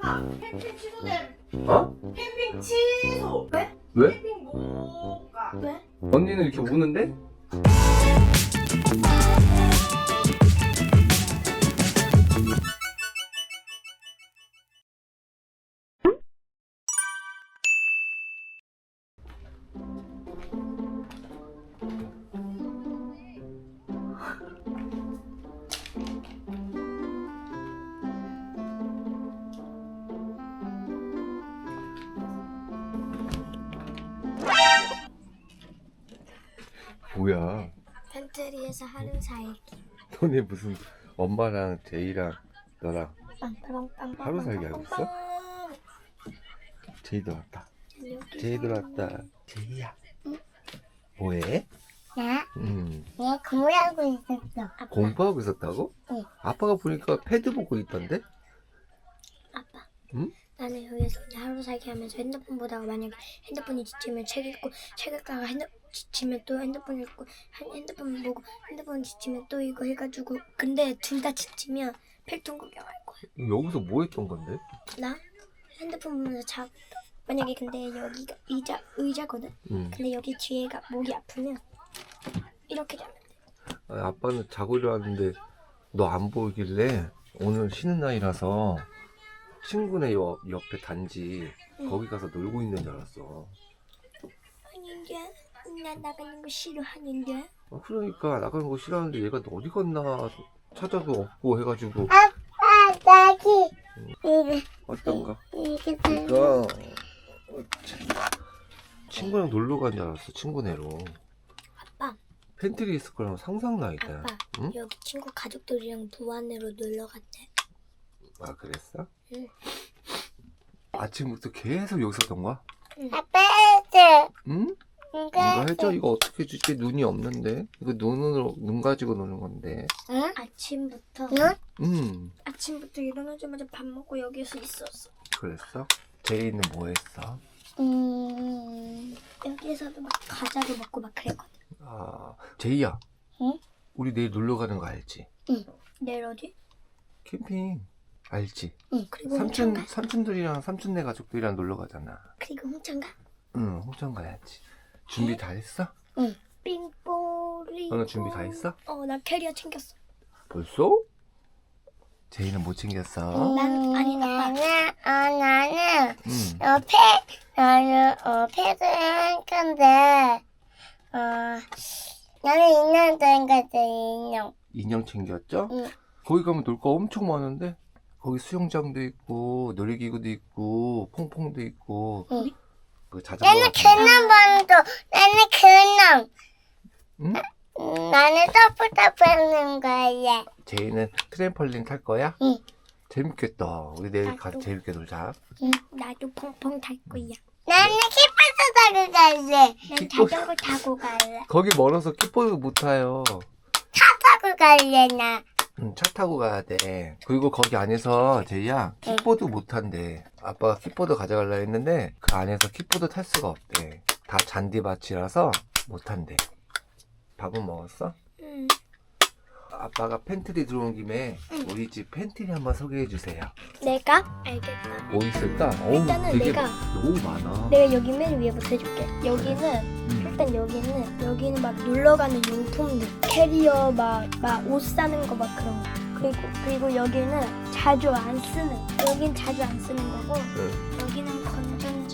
캠핑 취소됨. 어? 캠핑 취소. 왜? 왜? 캠핑 못 가. 왜? 언니는 이렇게 우는데? 뭐야? 팬트리에서 하루 살기. 너네 무슨 엄마랑 제이랑 너랑 빵빵빵빵. 하루 살기 하고 있어? 제이 들어왔다. 제이 들어왔다. 제이야. 응? 뭐해? 나? 응. 내가 공부하고 있었어. 아빠. 공부하고 있었다고? 응. 아빠가 보니까 패드 보고 있던데? 아빠. 응? 나는 여기서 하루 살기 하면서 핸드폰 보다가 만약에 핸드폰이 지치면 책 읽고 책 읽다가 지치면 또 핸드폰 읽고 핸드폰 보고 핸드폰 지치면 또 이거 해가지고 근데 둘 다 지치면 필통 구경할 거야. 여기서 뭐 했던 건데? 나 핸드폰 보면서 만약에 근데 여기가 의자거든. 응. 근데 여기 뒤에가 목이 아프면 이렇게 자면 돼. 아니, 아빠는 자고 일어났는데 너 안 보이길래 오늘 쉬는 날이라서 친구네 옆에 단지 응. 거기 가서 놀고 있는 줄 알았어. 아닌데 난 나가는 거 싫어하는데. 그러니까 나가는 거 싫어하는데 얘가 어디 갔나 찾아도 없고 해가지고 나기 이게 어떤가? 이게 그러니까 친구랑 놀러 간 줄 알았어. 친구네로. 아빠. 팬트리 있을 거랑 상상도 있다. 아빠 응? 여기 친구 가족들이랑 부안으로 놀러 갔대. 아 그랬어? 응. 아침부터 계속 여기 있었던 거야? 아빠 해줘. 응? 이거 해줘? 이거 어떻게 주지? 눈이 없는데? 이거 눈 가지고 노는 건데. 응? 아침부터 아침부터 일어나자마자 밥 먹고 여기서 있었어. 그랬어? 제이는 뭐 했어? 여기서도 막 과자도 먹고 막 그랬거든. 아, 제이야. 응? 우리 내일 놀러 가는 거 알지? 응. 내일 어디? 캠핑. 알지? 응. 그리고 홍천 가. 삼촌들이랑 삼촌네 가족들이랑 놀러 가잖아. 그리고 홍천 가. 응, 홍천 가야지. 준비 다 했어? 응. 빙뽀리. 너는 준비 다 했어? 나 캐리어 챙겼어. 벌써? 제이는 못 챙겼어. 난 아니 아빠. 나는 응. 패드 할 건데 나는 인형 챙겼지 인형. 인형 챙겼죠? 응. 거기 가면 놀 거 엄청 많은데? 거기 수영장도 있고 놀이기구도 있고 퐁퐁도 있고 응. 그 자전거 나는 같은 거. 그놈방도 나는 그놈. 응? 나는 터프터프 하는 거야. 제이는 트램펄린 탈 거야? 응. 재밌겠다. 우리 내일 나도. 가서 재밌게 놀자. 나도 펑펑 탈 거야. 나는 키퍼스 타고 갈래. 난 킥보드. 자전거 타고 갈래. 거기 멀어서 킥보드 못 타요. 차 타고 갈래 나. 응, 차 타고 가야 돼. 그리고 거기 안에서 제이야 킥보드 못 탄대. 아빠가 킥보드 가져가려 했는데 그 안에서 킥보드 탈 수가 없대. 다 잔디밭이라서 못 탄대. 밥은 먹었어? 응. 아빠가 팬트리 들어온 김에 우리 집 팬트리 한번 소개해 주세요. 내가? 알겠다. 뭐 있을까? 일단은 되게 내가- 너무 많아. 내가 여기 맨 위에부터 해줄게. 일단 여기는 막 놀러 가는 용품들, 캐리어 막 옷 사는 거 막 그런 거. 그리고 여기는 자주 안 쓰는. 여긴 자주 안 쓰는 거고. 응. 여기는 건전지.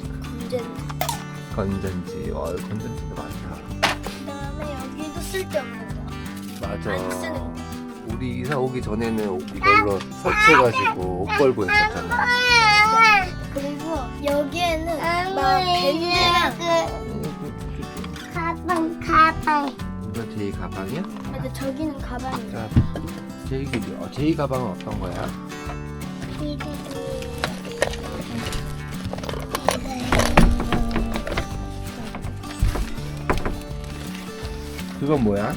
건전지. 건전지도 많다. 그다음에 여기도 쓸데없는 거. 맞아. 안 쓰는 거. 우리 이사 오기 전에는 이걸로 설치해가지고 옷 걸고 했었잖아. 그리고 여기에는 막 밴드랑 가방. 이거 제이 가방이야? 맞아 저기는 가방이야. 자, 제이 가방은 어떤 거야? 그건 뭐야?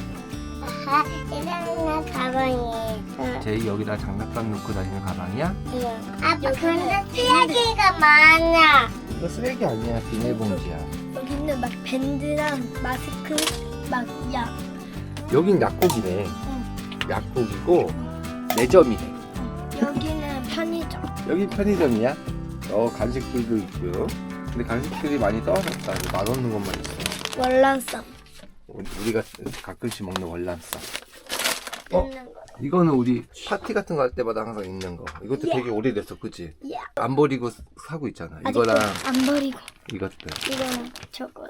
이런 가방이. 제이 여기다 장난감 넣고 다니는 가방이야? 아빠 근데 쓰레기가 많아. 이거 쓰레기 아니야. 비닐봉지야. 여기는 막 밴드랑 마스크 막 약. 여긴 약국이네. 약국이고 매점이네. 여기는 편의점. 여기 편의점이야? 간식들도 있고요. 근데 간식들이 많이 떨어졌다. 맛없는 것만 있어. 월남쌈. 우리가 가끔씩 먹는 월남쌈. 있는 거. 이거는 우리 파티 같은 거 할 때마다 항상 있는 거. 이것도 되게 오래됐어, 그치? 예. 안 버리고 사고 있잖아. 아직도 이거랑 안 버리고. 이것들. 이거는 저거.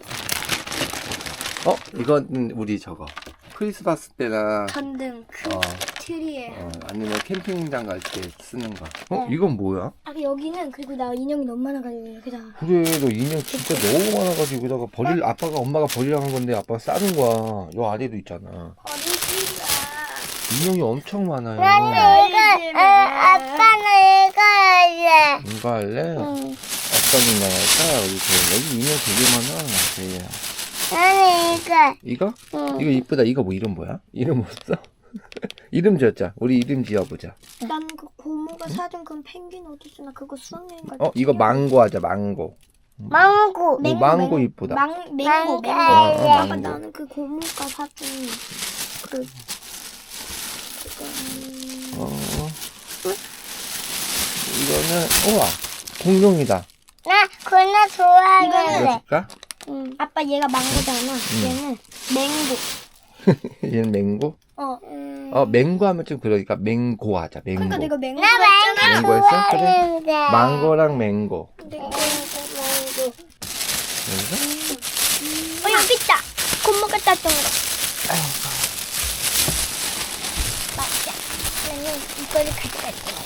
이건 우리 저거. 크리스마스 때나 전등 큰 어, 트리에. 아니면 캠핑장 갈 때 쓰는 거. 이건 뭐야? 아 여기는 그리고 나 인형이 너무 많아가지고 여기다. 그래, 너 인형 진짜 너무 많아가지고 여기다가 아빠가 엄마가 버리라고 한 건데 아빠가 싸는 거야. 요 아래도 있잖아. 어디지가. 인형이 엄청 많아요. 나는 이거, 아빠는 이거 할래. 이거 할래? 응. 어떤 인형 할까? 여기 인형 되게 많아. 제이야. 나는 이거. 이거? 응. 이거 이쁘다. 이거 이름 뭐야? 이름 없어? 이름 지었자. 우리 이름 지어보자. 난 그 고모가 사준 그 펭귄 어딨어? 나 그거 수학여행 갈 때. 이거 망고 하자. 망고. 망고. 망고 이쁘다. 맹고. 할래. 아빠 망고. 나는 그 고모가 사준 그 이거는 우와 공룡이다. 나 그거 이거 좋아할래. 줄까? 응. 아빠 얘가 망고잖아. 얘는 맹고. 얘는 맹고? 맹고 하면 좀 그러니까 맹고 하자. 맹고. 그러니까 내가 맹고 나 했잖아. 망고 맹고였어? 그래. 좋아하는데. 망고랑 맹고. 내가 그래서 여기 있다. 고모가 땄던 거. 맞아. 나는 이거를 가져갈 거야.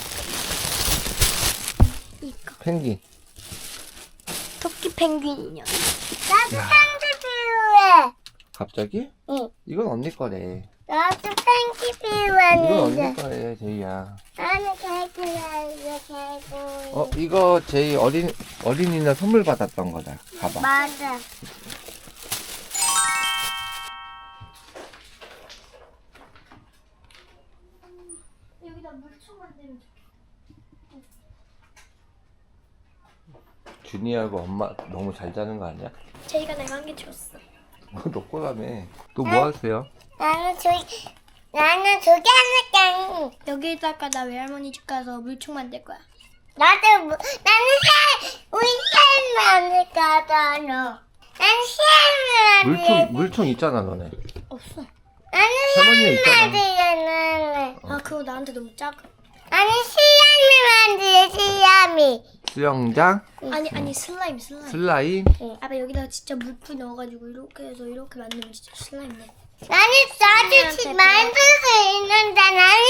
이거. 펭귄. 토끼 펭귄 인형. 나도 펭귄 필요해. 갑자기? 응. 이건 언니 거래. 나도 펭귄 이건 언니 필요한데. 거래, 제이야. 나는 개구리 할래, 개구리. 이거 제이 어린이날 선물 받았던 거다. 가봐. 맞아. 여기다 물총 만들면 준이하고 엄마 너무 잘 자는 거 아니야? 제이가 내가 한 개 줬어. 너 거라며. 또 뭐 하세요? 나는 저기 할래. 여기다가 나 외할머니 집 가서 물총 만들 거야. 나는 우리 쌤 만들 거다, 너. 나는 쌤 만들. 물총 있잖아, 너네. 없어. 나는 할머니가 있잖아. 만들래. 아 그거 나한테 너무 작아. 나는 시야미 만들래, 시야미. 수영장, 아니 슬라임. 슬라임. 아빠 여기다가 진짜 물풀 넣어가지고 이렇게 해서 이렇게 만들면 진짜 슬라임 돼. 나는 나도 만들 수 있는데 나는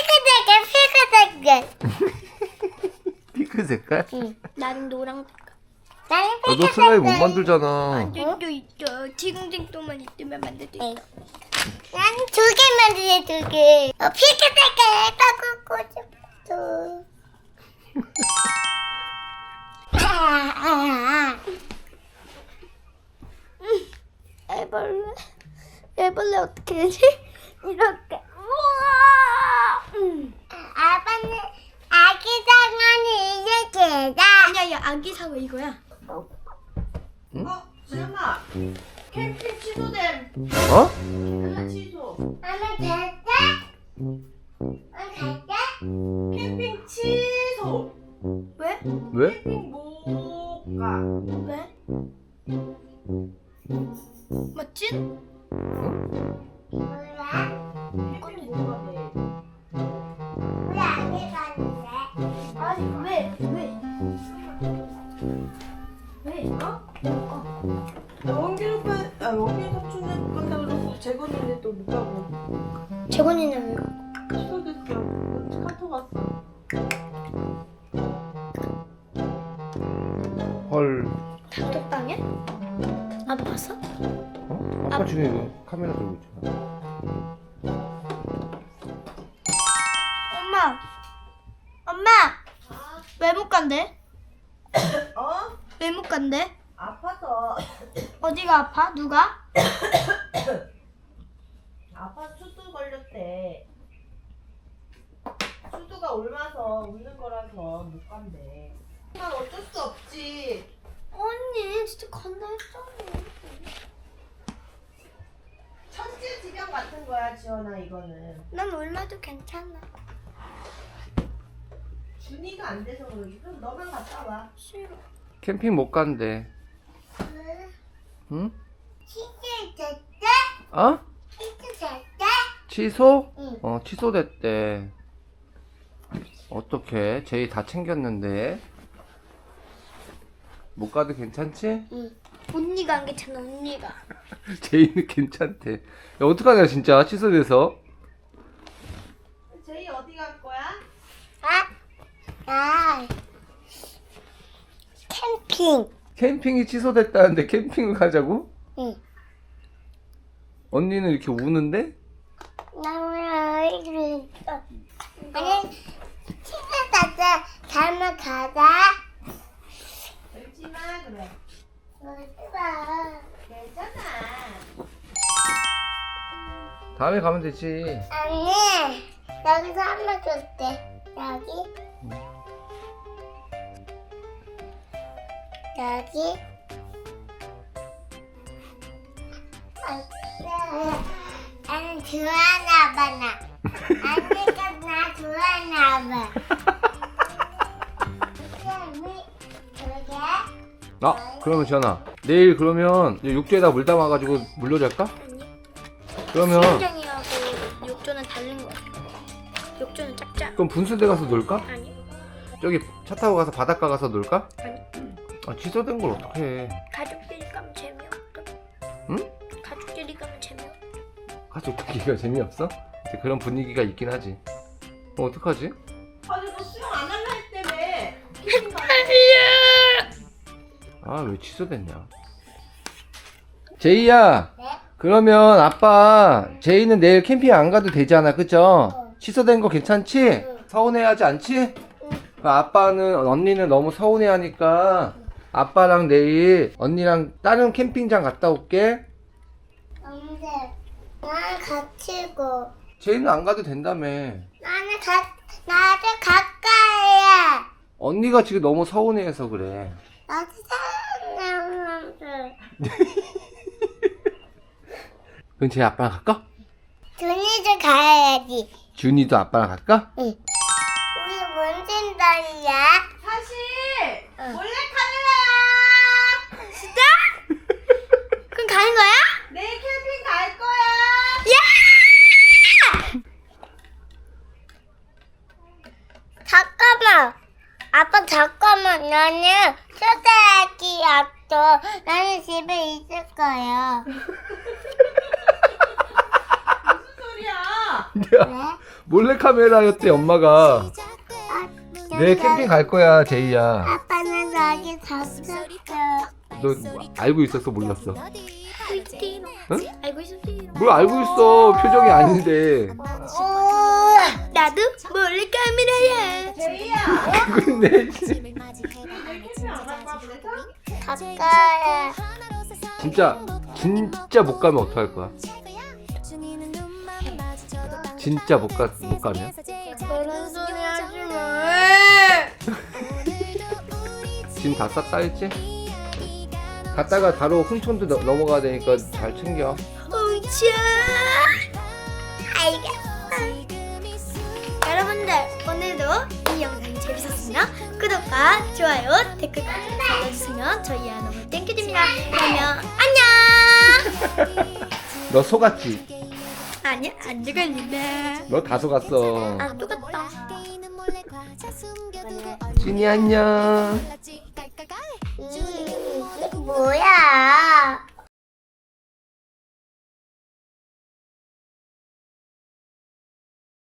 피크색깔. 핑크 색깔? 나는 노랑. 나는 너 슬라임 못 만들잖아. 또 있죠. 지금쟁또만 있으면 만들 수 있어. 나는 두 개 만들래, 두 개. 피크색깔 바꾸고 싶어. 애벌레 어떻게 되지? 이렇게. 아빠는 아기 상어는 이제 개다. 아니야 아기 상어 이거야. 수영아. 캠핑 취소됨. 어? 취소. 나는 갈까? 갈까? 캠핑 취소. 왜? 왜? 캠핑 못 가. 왜? 맞지? 몰라. 캠핑 못 가게. 우리 아기 가는데. 아니 왜? 원길 삼촌은 못 간다 그러고 재건이는 또 못 가고. 재건이는 왜 가? 취소됐어. 카톡 왔어. 헐. 단톡방에? 아빠 봤어? 아빠 지금 이거 카메라 들고 있잖아. 엄마 왜 못 간대? 어? 왜 못 간대? 아파서. 어디가 아파? 누가? 아빠 수두 걸렸대. 수두가 옮아서 웃는 거라서 못 간대. 난 어쩔 수 없지. 언니 진짜 간다 했잖아. 천재지변 같은 거야, 지원아, 이거는. 난 얼마도 괜찮아. 준이가 안 돼서 그러지. 그럼 너만 갔다 와. 싫어. 캠핑 못 간대. 응? 치즈 됐대? 어? 치즈 됐대? 취소? 응. 취소됐대. 어떡해? 제이 다 챙겼는데. 못 가도 괜찮지? 언니가 안 괜찮아, 언니가. 제이는 괜찮대. 야, 어떡하냐, 진짜. 취소돼서. 제이 어디 갈 거야? 캠핑. 캠핑이 취소됐다는데 캠핑을 가자고? 응. 언니는 이렇게 우는데? 아니, 치즈 됐대. 다음에 가자. 울지 마 그래. 울지마. 괜찮아. 다음에 가면 되지. 아니, 여기서 한 번 줄게. 여기. 여기. 아니, 좋아하나 봐, 나. 아니가 나 좋아하나 봐. 그러게. 그러면 지연아, 내일 그러면 욕조에다 물 담아가지고 물놀이 할까? 아니. 그러면 수영장이하고 욕조는 다른 거야. 욕조는 작자. 그럼 분수대 가서 놀까? 아니. 저기 차 타고 가서 바닷가 가서 놀까? 아니. 아, 취소된 걸 어떡해. 가족끼리 가면 재미없어. 응? 가족끼리 가면 재미없어. 가족들끼리가 재미없어? 근데 그런 분위기가 있긴 하지. 어떡하지? 아니 너 수영 안 할라 했다며. 캠핑 가자. 아, 왜 취소됐냐? 제이야, 네? 그러면 아빠, 제이는 내일 캠핑 안 가도 되잖아, 그죠? 취소된 거 괜찮지? 서운해하지 않지? 그럼 아빠는, 언니는 너무 서운해하니까 아빠랑 내일 언니랑 다른 캠핑장 갔다 올게. 근데 나는 같이 고. 제이는 안 가도 된다며. 나도 가까이야. 언니가 지금 너무 서운해해서 그래. 나도 사랑하는데. 그럼 제이 아빠랑 갈까? 준이도 가야지. 준이도 아빠랑 갈까? 응. 우리 뭔 생각이야? 사실 응. 몰래 카메라야. 진짜? 그럼 가는 거야? 내일 캠핑 갈 거야. 잠깐만. 아빠 잠깐만. 나는 초등학교 앞도 나는 집에 있을 거야. 무슨 소리야? 야, 몰래카메라였대, 엄마가. 아, 내일 캠핑 갈 거야, 제이야. 아빠는 여기 잡혔어. 너 알고 있었어, 몰랐어? 응? 알고 있었지. 뭘 알고 있어, 표정이 아닌데. 나도 몰래 카메라야. 제이야. 근데 캠핑 안 갈 거야 그래서? 가까이. 진짜 못 가면 어떡할 거야? 진짜 못 가면? 그런 소리 하지 마. 짐 다 쌌다 했지? 갔다가 바로 훈촌도 넘어가야 되니까 잘 챙겨. 엉차. 알겠어. 여러분들 오늘도 이 영상이 재밌었으면 구독과 좋아요 댓글까지 눌러주시면 저희 너무 땡큐드립니다. 그러면 안녕. 너 속았지? 아니야 안 죽었는데. 너 다 속았어. 아 똑같다. 진이 안녕. 뭐야?